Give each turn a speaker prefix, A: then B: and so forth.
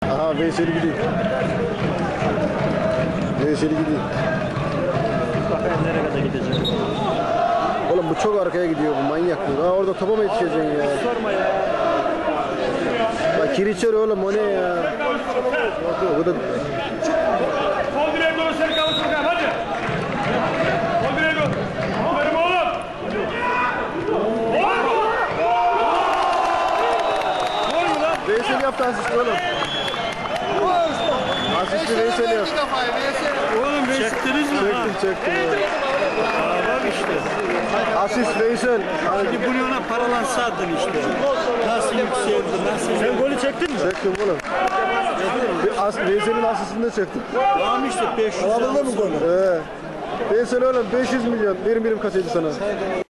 A: Aha Veysel gidiyor. Veysel gidiyor.
B: Bakayım nereye kadar gidecek.
A: Oğlum bu çok arkaya gidiyor bu manyak bu. Ha orada topa mı yetişeceksin ya?
B: Sorma ya.
A: Bak Kiriçer oğlum o ne ya? Bu da
C: Sol direğe doğru Serkan'ı sokayım hadi. Sol direğe doğru. Aferin oğlum.
A: Veysel yaptı asist oğlum. Asisti Veysel yaptı.
B: Oğlum çektiniz mi ha?
A: Çektim.
B: Bak işte.
A: Asist Veysel.
B: Şimdi bunu ona paralansaydın işte. Nasıl yükseldi, nasıl... Sen golü çektin mi?
A: Çektim oğlum. Veysel'in asistini de çektim.
B: Tamam işte 500
A: Aldın mı golü? Veysel oğlum 500 milyon. Birim kaçıydı sana?